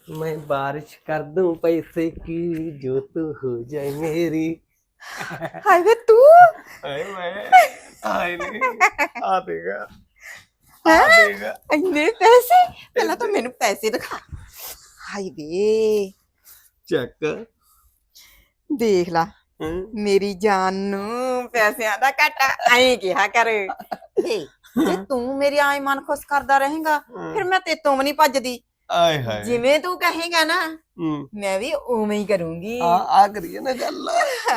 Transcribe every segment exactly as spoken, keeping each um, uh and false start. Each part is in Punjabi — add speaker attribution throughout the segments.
Speaker 1: मैं बारिश कर दूं पैसे की जो तू हो जाए मेरी।
Speaker 2: ਹਾਏ ਵੇ ਤੂੰ
Speaker 1: हाय मैं हाय नहीं आ देगा आ
Speaker 2: ਹੈ
Speaker 1: देगा
Speaker 2: ਇੰਨੇ ਪੈਸੇ ਪਹਿਲਾਂ ਤਾਂ ਮੈਨੂੰ ਪੈਸੇ ਦਿਖਾ ਹਾਏ ਵੇ
Speaker 1: चेक
Speaker 2: ਦੇਖ ਲਾ
Speaker 1: हम्म,
Speaker 2: ਮੇਰੀ ਜਾਨ ਨੂੰ ਪੈਸਿਆਂ ਦਾ ਘਾਟਾ ਐਂ ਕਿਹਾ ਕਰ ਏ ਜੇ ਤੂੰ ਮੇਰੀ ਆਈ ਮਨ ਖੁਸ਼ ਕਰਦਾ ਰਹੇਗਾ ਫਿਰ ਮੈਂ ਤੇਤੋਂ ਵੀ ਨਹੀਂ ਭੱਜਦੀ
Speaker 1: आय हाय
Speaker 2: ਜਿਵੇਂ ਤੂੰ ਕਹੇਗਾ ਨਾ
Speaker 1: हम्म,
Speaker 2: ਮੈਂ ਵੀ ਉਵੇਂ ਹੀ ਕਰੂੰਗੀ
Speaker 1: आ आ करिए ना गल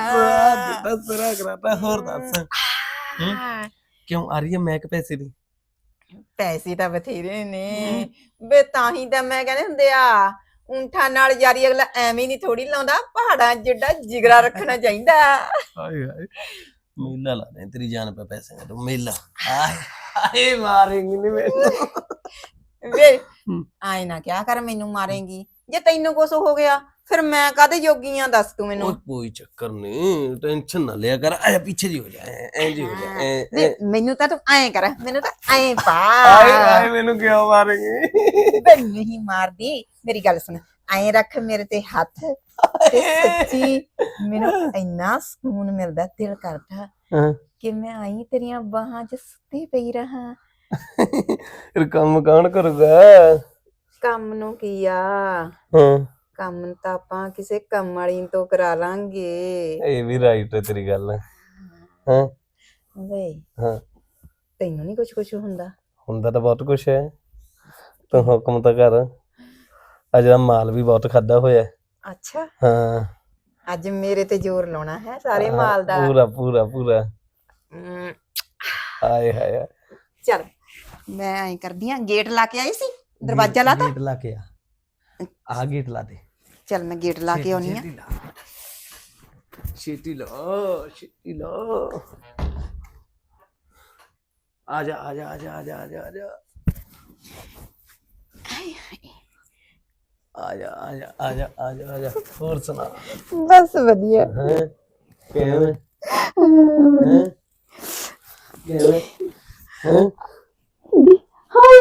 Speaker 1: दस तरह कराता होर दस
Speaker 2: ਹਾਂ,
Speaker 1: क्यों आ रही है मैं के पैसे दी
Speaker 2: ਪੈਸੇ ਤਾਂ ਬਥੇਰੇ ਨੇ ਵੇ ਤਾਂ ਹੀ ਤਾਂ ਮੈਂ ਕਹਿੰਦੇ ਹੁੰਦੇ ਆ ਊਂਠਾਂ ਨਾਲ ਯਾਰੀ ਅਗਲਾ ਐਵੇਂ ਨਹੀਂ ਥੋੜੀ ਲਾਉਂਦਾ ਪਹਾੜਾਂ ਜਿੱਡਾ ਜਿਗਰਾ ਰੱਖਣਾ ਚਾਹੀਦਾ
Speaker 1: हाय हाय मेला ला रहे हैं तेरी जान पे पैसे का तो मेला हाय हाय मारेंगे नहीं मैंने
Speaker 2: ਵੇ ਆਏ ਨਾ ਕਿਆ ਕਰ ਮੈਨੂੰ ਮਾਰੇਂਗੀ ਜੇ ਤੈਨੂੰ ਕੁਛ ਹੋ ਗਿਆ ਫਿਰ ਮੈਂ ਕਾਹਦੇ ਯੋਗੀ ਆ ਦੱਸ ਤੂੰ ਮੈਨੂੰ
Speaker 1: और कोई चक्कर नहीं टेंशन ना लिया कर आया पीछे जी हो जाए ऐ जी हो जाए ऐ
Speaker 2: ਵੇ ਮੈਨੂੰ ਤਾਂ ਤੂੰ ਐਂ ਕਰ ਮੈਨੂੰ ਤਾਂ ਐਂ ਪਾ
Speaker 1: आए आए मैंने क्यों मारेंगे
Speaker 2: ਵੇ ਨਹੀਂ ਮਾਰਦੀ ਮੇਰੀ ਗੱਲ ਸੁਣ ਐਂ ਰੱਖ ਮੇਰੇ ਤੇ ਹੱਥ ਤੇ ਸੱਚੀ ਮੈਨੂੰ ਇੰਨਾ ਸਕੂਨ ਮਿਲਦਾ ਦਿਲ ਕਰਦਾ
Speaker 1: हाँ
Speaker 2: ਕਿ ਮੈਂ ਆਈ ਤੇਰੀਆਂ ਬਾਹਾਂ 'ਚ ਸੁੱਤੀ ਪਈ ਰਹਾ
Speaker 1: फिर काम कौन करूँगा
Speaker 2: ਕੰਮ ਨੂੰ ਕੀ ਆ
Speaker 1: हाँ
Speaker 2: ਕੰਮ ਤਾਂ ਆਪਾਂ ਕਿਸੇ ਕੰਮ ਵਾਲੀ ਤੋਂ ਕਰਾ ਲਾਂਗੇ
Speaker 1: ये भी राइट है तेरी गल हाँ
Speaker 2: ਵੇ
Speaker 1: हाँ
Speaker 2: ਤੈਨੂੰ ਨਹੀਂ ਕੁਛ ਕੁਛ ਹੁੰਦਾ
Speaker 1: हुंदा तो बहुत कुछ है तू हुक्म तो कर अज माल भी बहुत खादा होया
Speaker 2: ਅੱਛਾ
Speaker 1: हाँ
Speaker 2: ਅੱਜ ਮੇਰੇ ਤੇ ਜ਼ੋਰ ਲਾਉਣਾ ਹੈ ਸਾਰੇ ਮਾਲ ਦਾ
Speaker 1: पूरा पूरा पूरा
Speaker 2: ਹਮ,
Speaker 1: आए हाय
Speaker 2: ਚੱਲ ਮੈਂ ਐਂ ਕਰਦੀ ਆ ਗੇਟ ਲਾ ਕੇ ਆਈ ਸੀ ਦਰਵਾਜ਼ਾ ਲਾਤਾ
Speaker 1: गेट ला के आ आ गेट ला दे
Speaker 2: ਚੱਲ ਮੈਂ ਗੇਟ ਲਾ ਕੇ ਆਉਣੀ ਆ
Speaker 1: छेती लो छेती लो आजा आजा आजा आजा आजा आजा आजा आजा आजा आजा आजा और सुना
Speaker 2: ਬਸ ਵਧੀਆ
Speaker 1: हैं कैਵੇਂ हैं कैਵੇਂ हैं
Speaker 2: ਹਾਏ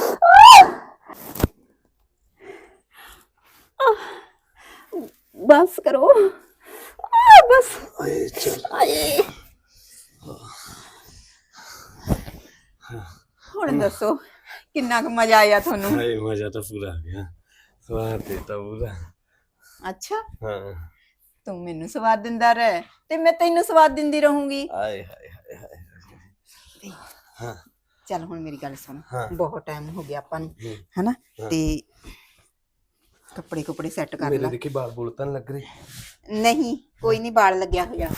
Speaker 2: ਬਸ ਕਰੋ ਆ ਬਸ
Speaker 1: आए चल
Speaker 2: ਆਏ ਹੁਣ ਦੱਸੋ ਕਿੰਨਾ ਕੁ ਮਜ਼ਾ ਆਇਆ ਤੁਹਾਨੂੰ
Speaker 1: हाय मजा तो पूरा आ गया स्वाद देता पूरा
Speaker 2: ਅੱਛਾ
Speaker 1: हाँ
Speaker 2: ਤੂੰ ਮੈਨੂੰ ਸਵਾਦ ਦਿੰਦਾ ਰਹਿ ਤੇ ਮੈਂ ਤੈਨੂੰ ਸਵਾਦ ਦਿੰਦੀ ਰਹੂੰਗੀ
Speaker 1: आए हाय हाय हाय हाँ
Speaker 2: ਚੱਲ ਹੁਣ ਮੇਰੀ ਗੱਲ ਸੁਣ
Speaker 1: ਹਾਂ।
Speaker 2: ਬਹੁਤ ਟਾਈਮ ਹੋ ਗਿਆ ਆਪਾਂ ਨੂੰ
Speaker 1: हम्म,
Speaker 2: ਹਨਾ
Speaker 1: ਹਾਂ।
Speaker 2: ਤੇ ਕੱਪੜੇ ਕੁਪੜੇ ਸੈੱਟ ਕਰ
Speaker 1: मेरे
Speaker 2: ਲੈ
Speaker 1: देखी बाल बुल तो नहीं लग रहे
Speaker 2: ਨਹੀਂ ਕੋਈ ਨਹੀਂ ਬਾਲ ਲੱਗਿਆ ਹੋਇਆ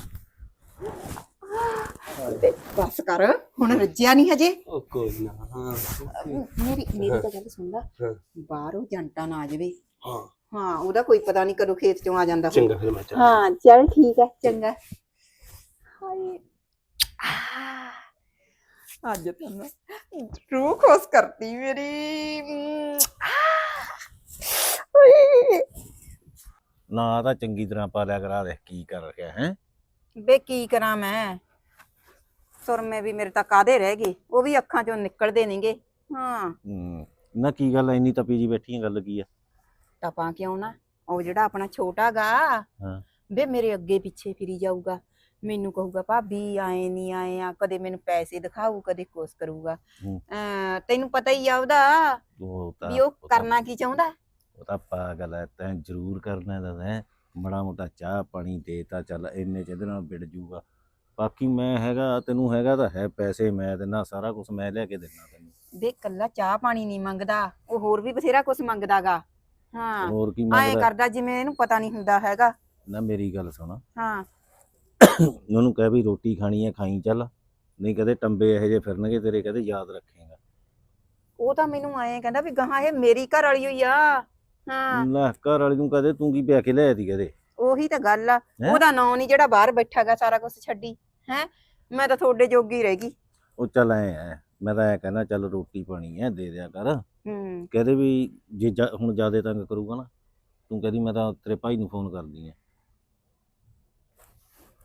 Speaker 2: ਤੇ ਬਸ ਕਰ ਹੁਣ ਰੱਜਿਆ ਨਹੀਂ ਹਜੇ
Speaker 1: ओ कोई ना हाँ
Speaker 2: ਮੇਰੀ ਮੇਰੀ ਤਾਂ ਗੱਲ ਸੁਣਦਾ
Speaker 1: हाँ
Speaker 2: ਬਾਹਰੋਂ ਜੰਟਾ ਨਾ ਆ ਜਾਵੇ
Speaker 1: हाँ
Speaker 2: ਹਾਂ ਉਹਦਾ ਕੋਈ ਪਤਾ ਨਹੀਂ ਕਦੋਂ ਖੇਤ ਚੋਂ ਆ ਜਾਂਦਾ ਹੋਊ।
Speaker 1: चंगा फिर मैं चल
Speaker 2: ਹਾਂ ਚੱਲ ਠੀਕ ਹੈ ਚੰਗਾ ਹਾਏ ਆਹ, ਅੱਜ ਤਾਂ ਨਾ ਰੂਹ ਖੁਸ਼ ਕਰਤੀ ਮੇਰੀ ਅਮ, ਆਹ, ਹਾਏ।
Speaker 3: ਨਾ ਤਾਂ ਚੰਗੀ ਤਰ੍ਹਾਂ ਪਾਲਿਆ ਕਰਾ ਦੇ ਕੀ ਕਰ ਰਿਹਾ ਹੈ
Speaker 2: ਬੇ ਕੀ ਕਰਾਂ ਮੈਂ ਸੁਰਮੇ ਵੀ ਮੇਰੇ ਤਾਂ ਕਾਦੇ ਰਹਿ ਗਏ ਉਹ ਵੀ ਅੱਖਾਂ ਚੋਂ ਨਿਕਲਦੇ ਨਹੀਂਗੇ ਹਾਂ
Speaker 3: ਨਾ ਕੀ ਗੱਲ ਐ, ਇੰਨੀ ਤਪੀ ਜੀ ਬੈਠੀ ਆਂ, ਗੱਲ ਕੀ ਆ?
Speaker 2: ਟਪਾਂ ਕਿਉਂ ਨਾ ਉਹ ਜਿਹੜਾ ਆਪਣਾ ਛੋਟਾ ਗਾ
Speaker 3: ਹਾਂ
Speaker 2: ਬੇ ਮੇਰੇ ਅੱਗੇ ਪਿੱਛੇ ਫਿਰੀ ਜਾਊਗਾ ਮੈਨੂੰ ਕਹੂਗਾ ਭਾਬੀ ਆਏ ਨਹੀਂ ਆਏ ਆ ਕਦੇ ਮੈਨੂੰ ਪੈਸੇ ਦਿਖਾਊ ਕਦੇ ਕੁਛ ਕਰੂਗਾ
Speaker 3: ਹੂੰ।
Speaker 2: ਅਹ ਤੈਨੂੰ ਪਤਾ ਹੀ ਆ ਉਹਦਾ
Speaker 3: ਉਹ ਤਾਂ
Speaker 2: ਵੀ ਉਹ
Speaker 3: ਉਹ ਤਾਂ-
Speaker 2: ਕਰਨਾ ਕੀ ਚਾਹੁੰਦਾ
Speaker 3: ਉਹ ਤਾਂ ਪਾਗਲ ਐ, ਤੈਂ ਜ਼ਰੂਰ ਕਰਨਾ ਦਾ ਹੈ ਮੜਾ ਮੋਟਾ ਚਾਹ ਪਾਣੀ ਦੇ ਤਾਂ ਚੱਲ ਇੰਨੇ ਚ ਇਹਦੇ ਨਾਲ ਵਿੜ ਜੂਗਾ। ਬਾਕੀ ਮੈਂ ਹੈਗਾ, ਤੈਨੂੰ ਹੈਗਾ ਤਾਂ ਹੈ ਪੈਸੇ, ਮੈਂ ਦੇਣਾ ਸਾਰਾ ਕੁਝ, ਮੈਂ ਲਿਆ ਕੇ ਦੇਣਾ ਤੈਨੂੰ।
Speaker 2: ਦੇ ਕੱਲਾ ਚਾਹ ਪਾਣੀ ਨਹੀਂ ਮੰਗਦਾ ਉਹ ਹੋਰ ਵੀ ਬਥੇਰਾ ਕੁਛ ਮੰਗਦਾਗਾ ਹਾਂ
Speaker 3: ਹੋਰ ਕੀ
Speaker 2: ਐਂ
Speaker 3: ਮੰਗਦਾ?
Speaker 2: ਕਰਦਾ ਜਿਵੇਂ ਇਹਨੂੰ ਪਤਾ ਨਹੀਂ ਹੁੰਦਾ ਹੈਗਾ
Speaker 3: ਨਾ ਮੇਰੀ ਗੱਲ ਸੁਣ,
Speaker 2: ਹਾਂ
Speaker 3: ਉਹਨੂੰ ਕਹਿ ਵੀ ਰੋਟੀ ਖਾਣੀ ਹੈ ਖਾਈ ਚੱਲ, ਨਹੀਂ ਕਦੇ ਟੰਬੇ ਇਹੋ ਜਿਹੇ ਫਿਰਨਗੇ ਤੇਰੇ, ਕਦੇ ਯਾਦ ਰੱਖੇਗਾ।
Speaker 2: ਉਹ ਤਾਂ ਮੈਨੂੰ ਐਂ ਕਹਿੰਦਾ ਵੀ ਗਾਹਾਂ ਇਹ ਮੇਰੀ ਘਰ ਵਾਲੀ ਹੋਈ ਆ ਹਾਂ
Speaker 3: ਲੈ ਘਰ ਵਾਲੀ ਨੂੰ ਕਦੇ ਤੂੰ ਕੀ ਪਿਆ ਕੇ ਲਿਆਇਆ ਤੀ ਕਦੇ?
Speaker 2: ਉਹੀ ਤਾਂ ਗੱਲ ਆ
Speaker 3: ਹੈਂ?
Speaker 2: ਉਹਦਾ ਨਾਂ ਨਹੀਂ ਜਿਹੜਾ ਬਾਹਰ ਬੈਠਾਗਾ ਸਾਰਾ ਕੁਝ ਛੱਡੀ ਹੈ ਮੈਂ ਤਾਂ ਤੁਹਾਡੇ ਜੋਗੀ ਰਹਿ ਗਈ
Speaker 3: ਉਹ ਚੱਲ ਐ ਐ ਮੈਂ ਤਾਂ ਐ ਕਹਿੰਦਾ ਚੱਲ ਰੋਟੀ ਪਾਣੀ ਐ ਦੇ ਦਿਆ ਕਰ,
Speaker 2: ਹੂੰ
Speaker 3: ਕਹਦੇ ਵੀ ਜੇ ਜਾ- ਹੁਣ ਜ਼ਿਆਦਾ ਤੰਗ ਕਰੂਗਾ ਨਾ ਤੂੰ ਕਹਦੀ ਮੈਂ ਤਾਂ ਤੇਰੇ ਭਾਈ ਨੂੰ ਫੋਨ ਕਰਦੀ ਐ।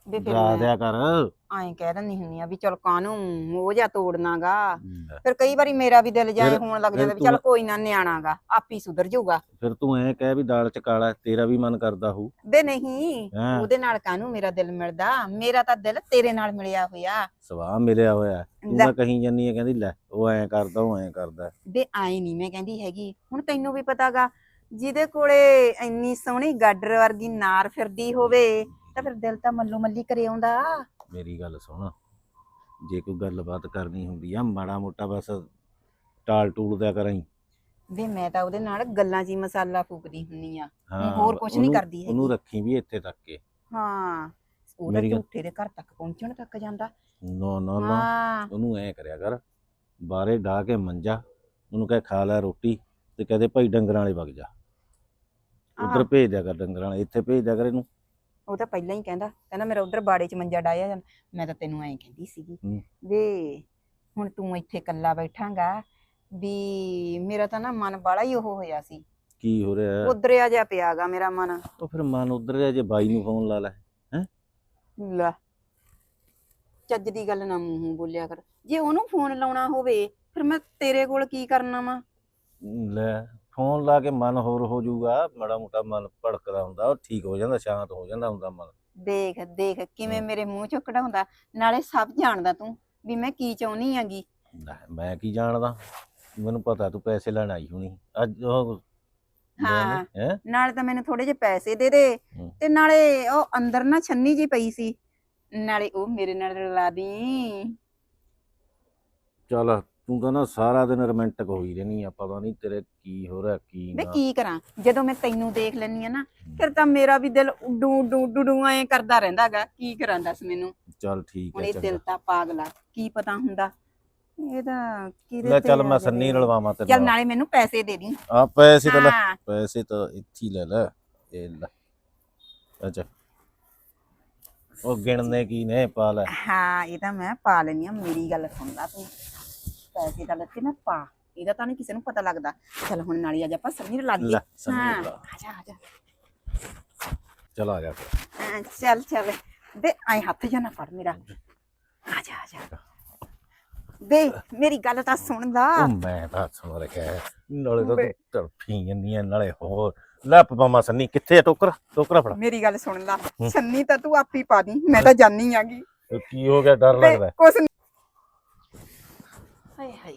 Speaker 2: ਵੇ ਫਿਰ
Speaker 3: ਡਰਾ ਦਿਆ ਕਰ।
Speaker 2: ਐਂ ਕਹਿ ਦਿੰਦੀ ਹੁੰਨੀ ਆ ਵੀ ਚਲ ਕਾਹਨੂੰ ਮੋਹ ਜਾ ਤੋੜਨਾਗਾ।
Speaker 3: ਲੈ,
Speaker 2: ਫਿਰ ਕਈ ਵਾਰੀ ਮੇਰਾ ਵੀ ਦਿਲ ਜਾਏ
Speaker 3: ਫਿਰ-
Speaker 2: ਹੋਣ ਲੱਗ
Speaker 3: ਫਿਰ
Speaker 2: ਜਾਂਦਾ ਵੀ
Speaker 3: ਤੂੰ-
Speaker 2: ਚਲ ਕੋਈ ਨਾ ਨਿਆਣਾਗਾ ਆਪੀ ਸੁਧਰ ਜਾਊਗਾ।
Speaker 3: ਫਿਰ ਤੂੰ ਐਂ ਕਹਿ ਵੀ ਦਾਲ ਚ ਕਾਲਾ ਤੇਰਾ ਵੀ ਮਨ ਕਰਦਾ ਹੋਊ।
Speaker 2: ਵੇ ਨਹੀਂ
Speaker 3: ਹੈਂ?
Speaker 2: ਉਹਦੇ ਨਾਲ ਕਾਹਨੂੰ ਮੇਰਾ ਦਿਲ ਮਿਲਦਾ, ਮੇਰਾ ਤਾਂ ਦਿਲ ਤੇਰੇ ਨਾਲ ਮਿਲਿਆ ਹੋਇਆ।
Speaker 3: ਸਵਾਹ ਮਿਲਿਆ ਹੋਇਆ ਤੂੰ
Speaker 2: ਲੈ।
Speaker 3: ਤਾਂ ਕਹੀਂ ਜਾਨੀ ਹੈ ਕਹਿੰਦੀ ਲੈ ਉਹ ਐਂ ਕਰਦਾ ਉਹ ਐਂ ਕਰਦਾ।
Speaker 2: ਵੇ ਆਏ ਨਹੀਂ ਮੈਂ ਕਹਿੰਦੀ ਹੈਗੀ, ਹੁਣ ਤੈਨੂੰ ਵੀ ਪਤਾਗਾ ਜਿਹਦੇ ਕੋਲੇ ਇੰਨੀ ਸੋਹਣੀ ਗਾਡਰ ਵਰਗੀ ਨਾਰ ਫਿਰਦੀ ਹੋਵੇ ਤਾਂ ਫਿਰ ਦਿਲ ਤਾਂ ਮੱਲੋ ਮੱਲੀ ਕਰੇ ਆਉਂਦਾ।
Speaker 3: ਮੇਰੀ ਗੱਲ ਸੁਣ, ਜੇ ਕੋਈ ਗੱਲਬਾਤ ਕਰਨੀ ਹੁੰਦੀ ਆ ਮਾੜਾ ਮੋਟਾ ਬਸ ਟਾਲ ਟੂਲ ਦਿਆ ਕਰਾਂ।
Speaker 2: ਵੇ ਮੈਂ ਤਾਂ ਉਹਦੇ ਨਾਲ ਗੱਲਾਂ 'ਚ ਹੀ ਮਸਾਲਾ ਫੂਕਦੀ ਹੁੰਨੀ ਆ,
Speaker 3: ਹਾਂ
Speaker 2: ਹੋਰ ਕੁਛ ਨੀ
Speaker 3: ਉਹਨੂੰ-
Speaker 2: ਕਰਦੀ ਹੈਗੀ।
Speaker 3: ਉਹਨੂੰ ਰੱਖੀ ਵੀ ਇੱਥੇ ਤੱਕ ਕੇ।
Speaker 2: ਹਾਂ ਉਹਦਾ
Speaker 3: ਮੇਰੀ ਗੱਲ-
Speaker 2: ਝੂਠੇ ਦੇ ਘਰ ਤੱਕ ਪਹੁੰਚਣ ਤੱਕ ਜਾਂਦਾ।
Speaker 3: ਨਾ ਨਾ ਨਾ
Speaker 2: ਹਾਂ
Speaker 3: ਉਹਨੂੰ ਐਂ ਕਰਿਆ ਕਰ, ਬਾਹਰੇ ਢਾ ਕੇ ਮੰਜਾ ਉਹਨੂੰ ਕਹਿ ਖਾ ਲੈ ਰੋਟੀ ਤੇ ਕਹਦੇ ਭਾਈ ਡੰਗਰਾਂ ਵਾਲੇ ਵਗ ਜਾ। ਉਧਰ
Speaker 2: ਆਹ।
Speaker 3: ਭੇਜ ਦਿਆ ਕਰ ਡੰਗਰਾਂ ਵਾਲੇ, ਇੱਥੇ ਭੇਜ ਦਿਆ ਕਰ ਇਹਨੂੰ।
Speaker 2: ਉਹ ਤਾਂ ਪਹਿਲਾਂ ਹੀ ਕਹਿੰਦਾ ਕਹਿੰਦਾ ਮੇਰਾ ਉਧਰ ਬਾੜੇ 'ਚ ਮੰਜਾ ਡਾਇਆ ਜਾਂਦਾ। ਮੈਂ ਤਾਂ ਤੈਨੂੰ ਐਂ ਕਹਿੰਦੀ ਸੀਗੀ
Speaker 3: ਹੂੰ।
Speaker 2: ਵੇ ਹੁਣ ਤੂੰ ਇੱਥੇ ਇਕੱਲਾ ਬੈਠਾਂਗਾ ਵੀ ਮੇਰਾ ਤਾਂ ਨਾ ਮਨ ਬਾਲਾ ਹੀ ਉਹ ਹੋਇਆ ਸੀ,
Speaker 3: ਕੀ ਹੋ ਰਿਹਾ?
Speaker 2: ਉਧਰਿਆ ਜਿਹਾ ਪਿਆਗਾ ਮੇਰਾ ਮਨ।
Speaker 3: ਉਹ ਫਿਰ ਮਨ ਉਧਰ ਰਿਹਾ, ਜੇ ਬਾਈ ਨੂੰ ਫੋਨ ਲਾ ਲੈ।
Speaker 2: ਲੈ ਚੱਜ ਦੀ ਗੱਲ ਨਾ ਮੂੰਹੋਂ ਬੋਲਿਆ ਕਰ, ਜੇ ਉਹਨੂੰ ਫੋਨ ਲਾਉਣਾ ਹੋਵੇ ਫਿਰ ਮੈਂ ਤੇਰੇ ਕੋਲ ਕੀ ਕਰਨਾ ਵਾ।
Speaker 3: ਲੈ ਫੋਨ ਲਾ ਕੇ ਮਨ ਹੋਰ ਹੋ ਜਾਊਗਾ, ਮਾੜਾ ਮੋਟਾ ਮਨ ਭੜਕਦਾ ਹੁੰਦਾ ਉਹ ਠੀਕ ਹੋ ਜਾਂਦਾ, ਸ਼ਾਂਤ ਹੋ ਜਾਂਦਾ ਹੁੰਦਾ ਮਨ।
Speaker 2: ਦੇਖ ਦੇਖ ਕਿਵੇਂ
Speaker 3: ਹਮ।
Speaker 2: ਮੇਰੇ ਮੂੰਹ ਚੋਂ ਕਢਾਉਂਦਾ, ਨਾਲੇ ਸਭ ਜਾਣਦਾ ਤੂੰ ਵੀ ਮੈਂ ਕੀ ਚਾਹੁੰਦੀ ਆਂਗੀ।
Speaker 3: ਲੈ, ਮੈਂ ਕੀ ਜਾਣਦਾ, ਮੈਨੂੰ ਪਤਾ ਤੂੰ ਪੈਸੇ ਲੈਣ ਆਈ ਹੋਣੀ ਅੱਜ ਉਹ।
Speaker 2: ਹਾਂ।
Speaker 3: ਹੈ
Speaker 2: ਨਾਲੇ ਤਾਂ ਮੈਨੂੰ ਥੋੜੇ ਜਿਹੇ ਪੈਸੇ ਦੇ ਦੇ
Speaker 3: ਹਮ।
Speaker 2: ਤੇ ਨਾਲੇ ਉਹ ਅੰਦਰ ਨਾ ਛੰਨੀ ਜੀ ਪਈ ਸੀ, ਨਾਲੇ ਉਹ ਮੇਰੇ ਨਾਲ ਰਲਾ ਦੀ।
Speaker 3: ਚੱਲ ਤੂੰ ਤਾਂ ਨਾ ਸਾਰਾ ਦਿਨ ਰੋਮਾਂਟਿਕ ਹੋਈ ਰਹਿਣੀ ਆ, ਪਤਾ ਨਹੀਂ ਤੇਰੇ ਕੀ ਹੋ ਰਿਹਾ ਕੀ
Speaker 2: ਵੇ
Speaker 3: ਨਾ।
Speaker 2: ਕੀ ਕਰਾਂ, ਜਦੋਂ ਮੈਂ ਤੈਨੂੰ ਦੇਖ ਲੈਨੀ ਆ ਨਾ ਫਿਰ ਤਾਂ ਮੇਰਾ ਵੀ ਦਿਲ ਡੂ ਡੂ ਡੂ ਡੂ ਐਂ ਕਰਦਾ ਰਹਿੰਦਾਗਾ। ਕੀ ਕਰਾਂ ਦੱਸ ਮੈਨੂੰ,
Speaker 3: ਚੱਲ ਠੀਕ
Speaker 2: ਹੁਣ
Speaker 3: ਹੈ
Speaker 2: ਇਹ
Speaker 3: ਚੰਗਾ।
Speaker 2: ਦਿਲ ਤਾਂ ਪਾਗਲਾ, ਕੀ ਪਤਾ ਹੁੰਦਾ ਇਹਦਾ ਕਿਹਦੇ
Speaker 3: ਲੈ
Speaker 2: ਤੇ
Speaker 3: ਚੱਲ
Speaker 2: ਆ
Speaker 3: ਮੈਂ
Speaker 2: ਜਾਵੇ।
Speaker 3: ਸੰਨੀ ਰਲਵਾਵਾਂ ਤੇਰੇ
Speaker 2: ਚੱਲ
Speaker 3: ਨਾਲ।
Speaker 2: ਨਾਲੇ ਮੈਨੂੰ ਪੈਸੇ ਦੇ ਦੀ।
Speaker 3: ਆ ਪੈਸੇ ਤਾਂ ਲੈ,
Speaker 2: ਹਾਂ
Speaker 3: ਪੈਸੇ ਤਾਂ ਇੱਥੇ ਹੀ ਲੈ ਲੈ, ਇਹ ਲੈ। ਅੱਛਾ ਉਹ ਗਿਣਨੇ ਕੀ ਨੇ, ਪਾ ਲੈ।
Speaker 2: ਹਾਂ ਇਹ ਤਾਂ ਮੈਂ ਪਾ ਲੈਣੀ ਆ, ਮੇਰੀ ਗੱਲ ਸੁਣ ਲਾ ਤੂੰ, ਪੈਸੇ ਤਾਂ ਲੱਤੇ ਮੈਂ ਪਾ, ਇਹਦਾ ਤਾਂ ਨਹੀਂ ਕਿਸੇ ਨੂੰ ਪਤਾ ਲੱਗਦਾ। ਚੱਲ ਹੁਣ ਨਾਲੀ ਅੱਜ ਆਪਾਂ ਸੰਨੀ ਰਲਾ ਦਈਏ।
Speaker 3: ਲੈ ਸੰਨੀ
Speaker 2: ਹਾਂ
Speaker 3: ਰਲਾ।
Speaker 2: ਆ ਜਾ ਆ ਜਾ।
Speaker 3: ਚਲ ਆ ਗਿਆ ਫਿਰ।
Speaker 2: ਹਾਂ, ਚੱਲ ਚੱਲ ਦੇ ਆਏ ਹੱਥ ਜਾਂ ਨਾ ਫੜ ਮੇਰਾ, ਆ ਜਾ ਆ ਜਾ। ਦੇ ਮੇਰੀ ਗੱਲ ਤਾਂ ਸੁਣ ਲਾ।
Speaker 3: ਉਹ ਮੈਂ ਤਾਂ ਸੁਣ ਰਿਹਾ, ਨਾਲੇ ਤਾਂ
Speaker 2: ਬੇ-
Speaker 3: ਤੂੰ ਤੜਫੀ ਜੰਨੀ ਆ, ਨਾਲੇ ਹੋਰ ਲੈ ਪਪਾਮਾ ਸੰਨੀ ਕਿੱਥੇ ਆ? ਟੋਕਰਾ ਟੋਕਰਾ ਫੜਾ।
Speaker 2: ਮੇਰੀ ਗੱਲ ਸੁਣ ਲਾ, ਸੰਨੀ ਤਾਂ ਤੂੰ ਆਪੀ ਪਾ ਦੀ, ਮੈਂ ਤਾਂ ਜਾਣੀ ਆਗੀ।
Speaker 3: ਇਹ ਕੀ ਹੋ ਗਿਆ, ਡਰ
Speaker 2: ਤੇ
Speaker 3: ਲੱਗਦਾ?
Speaker 2: ਕੁਛ ਨੀ- ਹਾਏ ਹਾਏ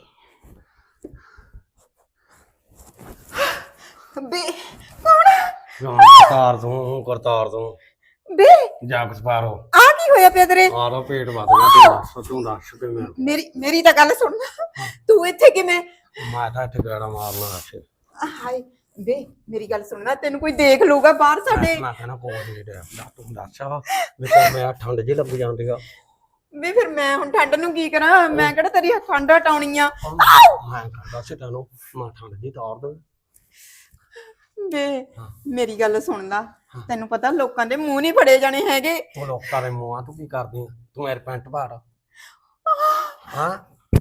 Speaker 2: ਬੇ ਕੌਣ
Speaker 1: ਕਰਤਾਰ ਤੋਂ ਕਰਤਾਰ ਤੋਂ
Speaker 2: ਬੇ
Speaker 1: ਜਾ ਕੁਛ ਪਾਰੋ
Speaker 2: ਆ ਕੀ ਹੋਇਆ ਪਿਆ ਤੇਰੇ?
Speaker 1: ਆਰਾ ਪੇਟ ਵੱਧ ਗਿਆ ਤੂੰ ਦੱਸ ਤੂੰ ਦੱਸ ਕੇ ਮੈਂ
Speaker 2: ਮੇਰੀ ਮੇਰੀ ਤਾਂ ਗੱਲ ਸੁਣ, ਤੂੰ ਇੱਥੇ ਕਿਵੇਂ?
Speaker 1: ਮੈਂ ਤਾਂ ਇੱਥੇ ਗੇੜਾ ਮਾਰਨਾ ਅੱਛੇ
Speaker 2: ਹਾਏ ਬੇ ਮੇਰੀ ਗੱਲ ਸੁਣ ਨਾ, ਤੈਨੂੰ ਕੋਈ ਦੇਖ ਲੂਗਾ ਬਾਹਰ ਸਾਡੇ।
Speaker 1: ਮੈਂ ਕਹਿੰਦਾ ਕੋਈ ਨਹੀਂ ਰਿਹਾ ਦੱਸ ਤੂੰ ਦੱਸ ਵੀ ਤੇ ਮੈਂ ਠੰਡ ਜੀ ਲੱਗ ਜਾਂਦੀ ਆ
Speaker 2: ਬੇ ਫਿਰ ਮੈਂ ਹੁਣ ਠੰਡ ਨੂੰ ਕੀ ਕਰਾਂ, ਮੈਂ ਕਿਹੜਾ ਤੇਰੀ ਠੰਡ ਹਟਾਉਣੀ ਆ।
Speaker 1: ਮੈਂ ਕਹਿੰਦਾ ਸੀ ਤੈਨੂੰ ਮੈਂ ਠੰਡ ਜੀ ਤਾਰ ਦੇ
Speaker 2: ਬੇ ਮੇਰੀ ਗੱਲ ਸੁਣ ਲਾ, ਤੈਨੂੰ ਪਤਾ ਲੋਕਾਂ ਦੇ ਮੂੰਹ ਨਹੀਂ ਫੜੇ ਜਾਣੇ ਹੈਗੇ।
Speaker 1: ਉਹ ਲੋਕਾਂ ਦੇ ਮੂੰਹਾਂ ਤੂੰ ਕੀ ਕਰਦੀ ਆ? ਤੂੰ ਮੇਰੇ ਪੈਂਟ ਪਾੜ ਹਾਂ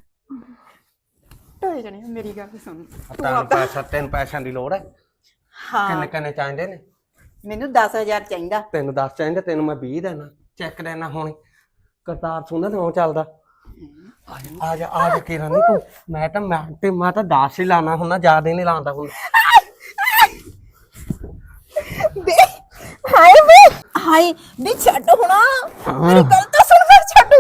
Speaker 2: ਢੋਏ ਜਾਣੇ। ਮੇਰੀ ਗੱਲ ਸੁਣ, ਤੂੰ
Speaker 1: ਤੈਨੂੰ
Speaker 2: ਆਪਦਾ
Speaker 1: ਪੈਸਾ ਤੈਨੂੰ ਪੈਸਿਆਂ ਦੀ ਲੋੜ ਹੈ?
Speaker 2: ਹਾਂ
Speaker 1: ਕਿੰਨੇ ਕਿੰਨੇ ਚਾਹੀਦੇ ਨੇ?
Speaker 2: ਮੈਨੂੰ ਦਸ ਹਜ਼ਾਰ ਚਾਹੀਦਾ।
Speaker 1: ਤੈਨੂੰ ਦਸ ਚਾਹੀਦੇ, ਤੈਨੂੰ ਮੈਂ ਵੀਹ ਦੇਣਾ, ਚੈੱਕ ਦੇਣਾ ਹੁਣ। ਕਰਤਾਰ ਸੁਣਦਾ ਨਾ ਚੱਲਦਾ। ਆ ਜਾ ਆ ਜਾ ਆ ਜਾ ਕਿਰਨ ਨੀ ਤੂੰ, ਮੈਂ ਤਾਂ ਮੈਂ ਤੇ ਮੈਂ ਤਾਂ ਦਸ ਹੀ ਲਾਣਾ ਹੁੰਦਾ, ਜ਼ਿਆਦਾ ਨਹੀਂ ਲਾਉਂਦਾ ਹੁੰਦਾ।
Speaker 2: ਬੇ ਹਾਏ ਬੇ ਹਾਏ ਬੇ ਛੱਡ ਹੁਣਾ, ਮੇਰੀ ਗੱਲ ਤਾਂ ਸੁਣ ਫਿਰ ਛੱਡ।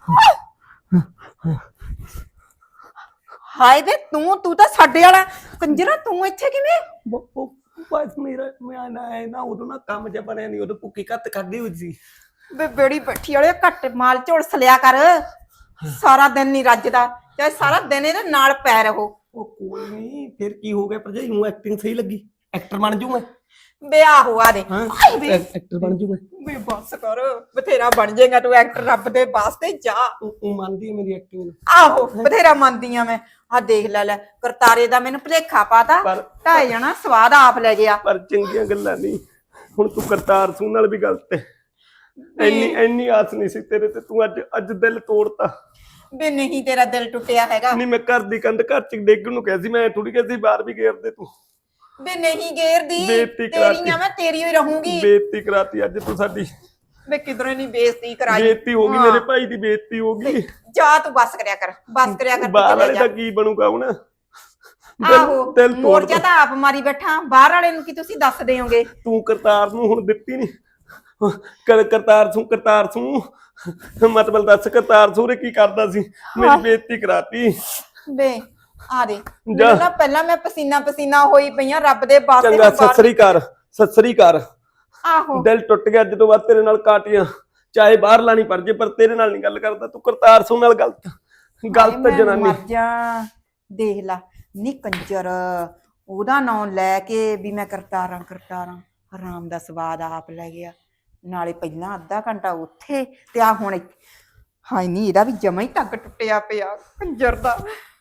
Speaker 2: ਹਾਏ ਬੇ ਤੂੰ ਤੂੰ ਤਾਂ ਸਾਡੇ ਵਾਲਾ ਕੰਜਰਾ, ਤੂੰ ਇੱਥੇ ਕਿਵੇਂ?
Speaker 1: ਬਸ ਮੇਰਾ ਮੈਂ ਨਾ ਇਹ ਨਾ ਉਦੋਂ ਨਾ ਕੰਮ ਜਿਹਾ ਬਣਿਆ ਨਹੀਂ, ਉਦੋਂ ਭੁੱਕੀ ਕੱਤ ਕੱਢੀ ਹੋਈ ਸੀ।
Speaker 2: ਬੇ ਬੇੜੀ ਬੈਠੀ ਵਾਲੇ ਘੱਟ ਮਾਲ ਝੋਲਸ ਲਿਆ ਕਰ, ਸਾਰਾ ਦਿਨ ਨਹੀਂ ਰੱਜਦਾ, ਚਾਹੇ ਸਾਰਾ ਦਿਨ ਇਹਦੇ ਨਾਲ ਪੈ ਰਹੋ।
Speaker 1: ਉਹ ਕੋਈ ਨਹੀਂ, ਫਿਰ ਕੀ ਹੋ ਗਿਆ ਭਰਜਾਈ ਨੂੰ? ਐਕਟਿੰਗ ਸਹੀ ਲੱਗੀ, ਐਕਟਰ ਬਣ ਜੂ ਮੈਂ।
Speaker 2: ਬੇ ਆਹੋ ਆ ਦੇ ਹਾਏ ਬੇ
Speaker 1: ਐਕਟਰ ਬਣ ਜੂ ਮੈਂ।
Speaker 2: ਬੇ ਬਸ ਕਰ, ਬਥੇਰਾ ਬਣ ਜਾਏਗਾ ਤੂੰ ਐਕਟਰ, ਰੱਬ ਦੇ ਵਾਸਤੇ ਜਾ।
Speaker 1: ਉਹ ਮੰਨਦੀ ਹੈ ਮੇਰੀ ਐਕਟਿੰਗ ਨੂੰ?
Speaker 2: ਆਹੋ ਬਥੇਰਾ ਮੰਨਦੀ ਆ ਮੈਂ। ਆ ਦੇਖ ਲੈ ਲੈ ਕਰਤਾਰੇ ਦਾ ਮੈਨੂੰ ਭੁਲੇਖਾ ਪਾਤਾ,
Speaker 1: ਪਰ-
Speaker 2: ਢਾਈ ਜਾਣਾ ਸਵਾਦ ਆਪ ਲੈ ਗਿਆ।
Speaker 1: ਪਰ ਚੰਗੀਆਂ ਗੱਲਾਂ ਨਹੀਂ। ਹੁਣ ਤੂੰ ਕਰਤਾਰ ਸੂ ਨਾਲ ਵੀ ਗਲਤ ਹੈ। ਇੰਨੀ ਇੰਨੀ ਆਸ ਨਹੀਂ ਸੀ ਤੇਰੇ ਤੇ, ਤੂੰ ਅੱਜ ਅੱਜ ਦਿਲ ਤੋੜਤਾ।
Speaker 2: ਬੇ ਨਹੀਂ ਤੇਰਾ ਦਿਲ ਟੁੱਟਿਆ ਹੈਗਾ।
Speaker 1: ਨਹੀਂ ਮੈਂ ਘਰ ਦੀ ਕੰਧ ਘਰ ਚ ਡੇਗਣ ਨੂੰ ਕਿਹਾ ਸੀ, ਮੈਂ ਥੋੜੀ ਕਿਹਾ ਸੀ ਬਾਹਰ ਵੀ ਗੇਰ ਦੇ ਤੂੰ।
Speaker 2: ਬੇ ਨਹੀਂ ਗੇਰਦੀ,
Speaker 1: ਬੇਇੱਜ਼ਤੀ ਕਰਾਤੀ।
Speaker 2: ਤੇਰੀ ਆ ਮੈਂ ਤੇਰੀ ਹੀ ਰਹੂੰਗੀ।
Speaker 1: ਬੇਇੱਜ਼ਤੀ ਕਰਾਤੀ ਅੱਜ ਤੂੰ ਸਾਡੀ।
Speaker 2: ਵੇ ਕਿਧਰੋਂ ਨਹੀਂ ਬੇਇੱਜ਼ਤੀ ਕਰਾਈ
Speaker 1: ਬੇਇੱਜ਼ਤੀ ਹੋ ਗਈ,
Speaker 2: ਹਾਂ।
Speaker 1: ਮੇਰੇ ਭਾਈ ਦੀ ਬੇਇੱਜ਼ਤੀ ਹੋ ਗਈ।
Speaker 2: ਜਾ ਤੂੰ ਬਸ ਕਰਿਆ ਕਰ, ਬਸ ਕਰਿਆ ਕਰ,
Speaker 1: ਬਾਹਰ
Speaker 2: ਤੂੰ
Speaker 1: ਵਾਲੇ
Speaker 2: ਚਲੇ
Speaker 1: ਦਾ
Speaker 2: ਜਾ।
Speaker 1: ਕੀ ਬਣੂਗਾ ਹੁਣ?
Speaker 2: ਆਹੋ
Speaker 1: ਦਿਲ ਤੋੜ
Speaker 2: ਮੋਰਚਾ ਤਾਂ ਆਪ ਮਾਰੀ ਬੈਠਾ, ਬਾਹਰ ਵਾਲੇ ਨੂੰ ਕੀ ਤੁਸੀਂ ਦੱਸ ਦਿਓਗੇ?
Speaker 1: ਤੂੰ ਕਰਤਾਰ ਨੂੰ ਹੁਣ ਦਿੱਤੀ ਨਹੀਂ ਕਰ ਕਰਤਾਰ ਸੂ ਕਰਤਾਰ ਸੂ ਮਤਲਬ ਦੱਸ ਕਰਤਾਰ ਸੂ ਰੇ ਕੀ ਕਰਦਾ ਸੀ? ਮੇਰੀ ਬੇਇੱਜ਼ਤੀ ਕਰਾਤੀ।
Speaker 2: ਵੇ ਆ ਦੇ ਮੈਨੂੰ ਨਾ ਪਹਿਲਾਂ ਮੈਂ ਪਸੀਨਾ ਪਸੀਨਾ ਹੋਈ ਪਈਆਂ ਰੱਬ ਦੇ ਵਾਸਤੇ।
Speaker 1: ਚੰਗਾ ਸਸਰੀ ਕਰ ਸਸਰੀ ਕਰ।
Speaker 2: ਆਹੋ
Speaker 1: ਦਿਲ ਟੁੱਟ ਗਿਆ ਜਦੋਂ ਬਾਅਦ ਤੇਰੇ ਨਾਲ ਕਾਟੀਆਂ, ਚਾਹੇ ਬਾਹਰ ਲਾਣੀ ਪੜ ਜੇ ਪਰ ਤੇਰੇ ਨਾਲ ਨਹੀਂ ਗੱਲ ਕਰਦਾ। ਤੂੰ ਕਰਤਾਰ ਸੂ ਨਾਲ ਗਲਤ ਗਲਤ ਜਨਾਨੀ।
Speaker 2: ਮਰ ਜਾ, ਦੇਖ ਲਾ ਨੀ ਕੰਜਰ ਉਹਦਾ ਨਾਂ ਲੈ ਕੇ ਵੀ ਮੈਂ ਕਰਤਾਰਾਂ ਕਰਤਾਰਾਂ, ਹਰਾਮ ਦਾ ਸਵਾਦ ਆਪ ਲੈ ਗਿਆ। ਨਾਲੇ ਪਹਿਲਾਂ ਅੱਧਾ ਘੰਟਾ ਉੱਥੇ ਤੇ ਆ ਹੁਣ ਹਾਏ ਨੀ ਇਹਦਾ ਵੀ ਜਮਾ ਹੀ ਟੱਕ ਟੁੱਟਿਆ ਪਿਆ ਕੰਜਰ ਦਾ।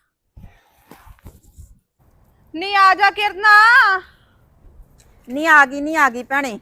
Speaker 4: ਨੀ ਆ ਜਾ ਕਿਰਨਾ,
Speaker 2: ਨੀ ਆ ਗਈ ਨੀ ਆ ਗਈ ਭੈਣੇ।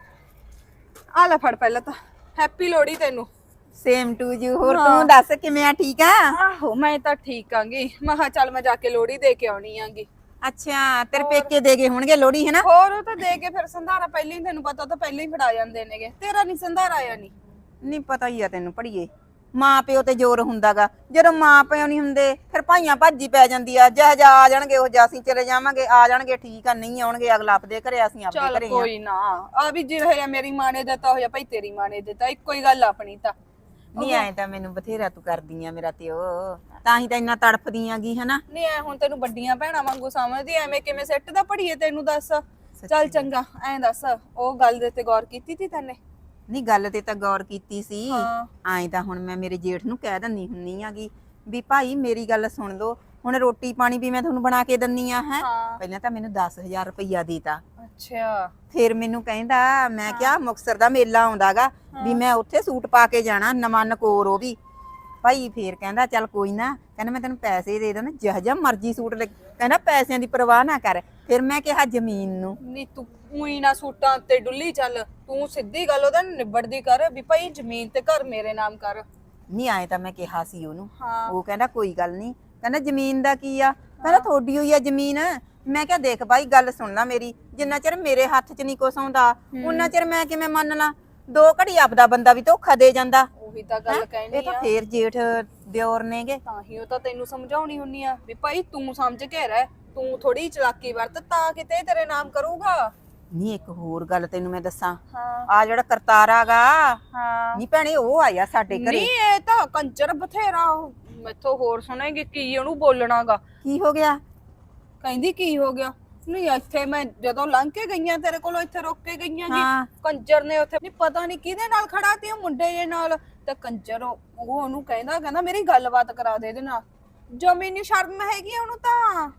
Speaker 4: ਆ ਲੈ ਫੜ ਪਹਿਲਾਂ ਤਾਂ ਹੈਪੀ ਲੋਹੜੀ ਤੈਨੂੰ।
Speaker 2: Same to you. ਹੋਰ ਤੂੰ ਦੱਸ ਕਿਵੇਂ ਆ? ਠੀਕ ਆ?
Speaker 4: ਆਹੋ ਮੈਂ ਤਾਂ ਠੀਕ ਆਂਗੀ। ਮੈਂ ਕਿਹਾ ਚੱਲ ਮੈਂ ਜਾ ਕੇ ਲੋਹੜੀ ਦੇ ਕੇ ਆਉਣੀ ਆਂਗੀ।
Speaker 2: ਅੱਛਾ ਤੇਰੇ ਪੇਕੇ ਦੇ ਗਏ ਹੋਣਗੇ ਲੋਹੜੀ ਹੈ ਨਾ?
Speaker 4: ਹੋਰ ਉਹ ਤਾਂ ਦੇ ਕੇ ਫਿਰ ਸੰਧਾਰਾ ਪਹਿਲਾਂ ਹੀ, ਤੈਨੂੰ ਪਤਾ ਉਹ ਤਾਂ ਪਹਿਲਾਂ ਹੀ ਫੜਾ ਜਾਂਦੇ ਨੇਗੇ। ਤੇਰਾ ਨਹੀਂ ਸੰਧਾਰਾ ਆਇਆ ਨਹੀਂ?
Speaker 2: ਨਹੀਂ ਪਤਾ ਹੀ ਆ ਤੈਨੂੰ ਪੜੀਏ, ਮਾਂ ਪਿਓ ਤੇ ਜ਼ੋਰ ਹੁੰਦਾਗਾ। ਜਦੋਂ ਮਾਂ ਪਿਓ ਨਹੀਂ ਹੁੰਦੇ ਫਿਰ ਭਾਈਆਂ ਭਾਜੀ ਪੈ ਜਾਂਦੀ ਆ। ਜਿਹੋ ਜਿਹਾ ਆ ਜਾਣਗੇ ਉਹ ਜਿਹਾ ਅਸੀਂ ਚਲੇ ਜਾਵਾਂਗੇ, ਆ ਜਾਣਗੇ ਠੀਕ ਆ, ਨਹੀਂ ਆਉਣਗੇ ਅਗਲਾ ਆਪਦੇ ਘਰੇ ਅਸੀਂ ਆਪਦੇ
Speaker 4: ਚੱਲ
Speaker 2: ਘਰੇ ਆ।
Speaker 4: ਕੋਈ ਨਾ, ਆ ਵੀ ਜੇ ਹੋਇਆ ਮੇਰੀ ਮਾਂ ਨੇ ਦਿੱਤਾ ਹੋਇਆ ਭਾਈ ਤੇਰੀ ਮਾਂ ਨੇ ਦਿੱਤਾ, ਇੱਕੋ ਹੀ ਗੱਲ ਆਪਣੀ ਤਾਂ।
Speaker 2: ਨਹੀਂ ਐ ਤਾਂ ਮੈਨੂੰ ਬਥੇਰਾ ਤੂੰ ਕਰਦੀ ਆ ਮੇਰਾ ਤੇ ਉਹ, ਤਾਂ ਹੀ ਤਾਂ ਇੰਨਾ ਤੜਫਦੀ ਆਂਗੀ ਹਨਾ।
Speaker 4: ਨਹੀਂ ਐ ਹੁਣ ਤੈਨੂੰ ਵੱਡੀਆਂ ਭੈਣਾਂ ਵਾਂਗੂ ਸਮਝਦੀ, ਐਵੇਂ ਕਿਵੇਂ ਸੈੱਟ ਦਾ ਪੜੀਏ ਤੈਨੂੰ ਦੱਸ। ਚੱਲ ਚੰਗਾ ਐਂ ਦੱਸ, ਉਹ ਗੱਲ ਦੇ ਤੇ ਗੌਰ ਕੀਤੀ ਤੀ ਤੈਨੇ?
Speaker 2: ਨਹੀਂ ਗੱਲ ਤੇ ਤਾਂ ਗੌਰ ਕੀਤੀ ਸੀ।
Speaker 4: ਹਾਂ।
Speaker 2: ਐਂ ਤਾਂ ਹੁਣ ਮੈਂ ਮੇਰੇ ਜੇਠ ਨੂੰ ਕਹਿ ਦਿੰਨੀ ਹੁੰਨੀ ਆਗੀ ਵੀ ਭਾਈ ਮੇਰੀ ਗੱਲ ਸੁਣ ਲਓ, ਹੁਣ ਰੋਟੀ ਪਾਣੀ ਵੀ ਮੈਂ ਤੁਹਾਨੂੰ ਬਣਾ ਕੇ ਦਿੰਨੀ ਆ ਹੈ।
Speaker 4: ਹਾਂ।
Speaker 2: ਪਹਿਲਾਂ ਤਾਂ ਮੈਨੂੰ ਦਸ ਹਜ਼ਾਰ ਰੁਪਈਆ ਦੇਤਾ।
Speaker 4: ਅੱਛਾ
Speaker 2: ਫਿਰ ਮੈਨੂੰ ਕਹਿੰਦਾ, ਮੈਂ ਕਿਹਾ ਮੁਕਤਸਰ ਦਾ ਮੇਲਾ ਆਉਂਦਾਗਾ ਵੀ ਮੈਂ ਉੱਥੇ ਸੂਟ ਪਾ ਕੇ ਜਾਣਾ ਨਵਾਂ ਨਕੋਰ ਉਹ ਵੀ। ਭਾਈ ਫੇਰ ਕਹਿੰਦਾ ਚੱਲ ਕੋਈ ਨਾ, ਕਹਿੰਦਾ ਮੈਂ ਤੈਨੂੰ ਪੈਸੇ ਦੇ ਦੇਣਾ ਜਿਹੋ ਜਿਹਾ ਮਰਜ਼ੀ ਸੂਟ ਲੈ, ਕਹਿੰਦਾ ਪੈਸਿਆਂ ਦੀ ਪਰਵਾਹ ਨਾ ਕਰ। ਫਿਰ ਮੈਂ ਕਿਹਾ ਜ਼ਮੀਨ ਨੂੰ।
Speaker 4: ਨੀ ਤੂੰ ਉਹੀ ਨਾ ਸੂਟਾਂ ਤੇ ਡੁੱਲੀ ਚੱਲ, ਤੂੰ ਸਿੱਧੀ ਗੱਲ ਉਹਦਾ ਨਿਬੜਦੀ ਕਰ ਵੀ ਭਾਈ ਜ਼ਮੀਨ ਤੇ ਘਰ ਮੇਰੇ ਨਾਮ ਕਰ।
Speaker 2: ਨਹੀਂ ਆਏ ਤਾਂ ਮੈਂ ਕਿਹਾ ਸੀ ਉਹਨੂੰ।
Speaker 4: ਹਾਂ।
Speaker 2: ਉਹ ਕਹਿੰਦਾ ਕੋਈ ਗੱਲ ਨਹੀਂ, ਕਹਿੰਦਾ ਜ਼ਮੀਨ ਦਾ ਕੀ ਆ, ਕਹਿੰਦਾ ਤੁਹਾਡੀ ਹੋਈ ਆ ਜ਼ਮੀਨ। ਮੈਂ ਕਿਹਾ ਦੇਖ ਭਾਈ ਗੱਲ ਸੁਣ ਲੈ ਮੇਰੀ, ਜਿੰਨਾ ਚਿਰ ਮੇਰੇ ਹੱਥ 'ਚ ਨਹੀਂ ਕੁਛ ਆਉਂਦਾ ਉਹਨਾਂ ਚਿਰ ਮੈਂ ਕਿਵੇਂ ਮੰਨ ਲਾ। ਦੋ ਘੜੀ ਆਪਦਾ ਬੰਦਾ ਵੀ ਧੋਖਾ ਦੇ ਜਾਂਦਾ।
Speaker 4: ਉਹੀ ਤਾਂ ਗੱਲ ਕਹਿਣੀ
Speaker 2: ਇਹ ਤਾਂ
Speaker 4: ਆ,
Speaker 2: ਫੇਰ ਜੇਠ ਦਿਓਰ ਨੇਗੇ।
Speaker 4: ਤਾਂ ਹੀ ਉਹ ਤਾਂ ਤੈਨੂੰ ਸਮਝਾਉਣੀ ਹੁੰਨੀ ਆ ਵੀ ਭਾਈ ਤੂੰ ਸਮਝ ਕੇ ਰਹਿ, ਤੂੰ ਥੋੜੀ ਚਲਾਕੀ ਵਰਤ ਤਾਂ ਕਿਤੇ ਤੇਰੇ ਨਾਮ ਕਰੂਗਾ।
Speaker 2: ਨਹੀਂ ਇੱਕ ਹੋਰ ਗੱਲ ਤੈਨੂੰ ਮੈਂ ਦੱਸਾਂ,
Speaker 4: ਹਾਂ
Speaker 2: ਆ ਜਿਹੜਾ ਕਰਤਾਰਾ ਗਾ,
Speaker 4: ਹਾਂ।
Speaker 2: ਨਹੀਂ ਭੈਣੇ ਉਹ ਆਇਆ ਸਾਡੇ ਘਰੇ।
Speaker 4: ਨਹੀਂ ਇਹ ਤਾਂ ਕੰਜਰ ਬਥੇਰਾ, ਮੈਥੋਂ ਹੋਰ ਸੁਣੇਗੀ ਕੀ ਉਹਨੂੰ ਬੋਲਣਾਗਾ।
Speaker 2: ਕੀ ਹੋ ਗਿਆ?
Speaker 4: ਕਹਿੰਦੀ ਕੀ ਹੋ ਗਿਆ? ਨਹੀਂ ਇੱਥੇ ਮੈਂ ਜਦੋਂ ਲੰਘ ਕੇ ਗਈਆਂ ਤੇਰੇ ਕੋਲੋਂ, ਇੱਥੇ ਰੁੱਕ ਕੇ ਗਈਆਂ
Speaker 2: ਹਾਂ।
Speaker 4: ਜੀ, ਕੰਜਰ ਨੇ ਉੱਥੇ ਨਹੀਂ ਪਤਾ ਨਹੀਂ ਕਿਹਦੇ ਨਾਲ ਖੜਾ ਤੇ ਉਹ ਮੁੰਡੇ ਜੇ ਨਾਲ, ਤੇ ਕੰਜਰ ਉਹ ਉਹਨੂੰ ਕਹਿੰਦਾ ਕਹਿੰਦਾ ਮੇਰੀ ਗੱਲਬਾਤ ਕਰਾ ਦੇ ਇਹਦੇ ਨਾਲ। ਜ਼ਮੀਨੀ ਸ਼ਰਮ ਹੈਗੀ ਆ ਉਹਨੂੰ ਤਾਂ।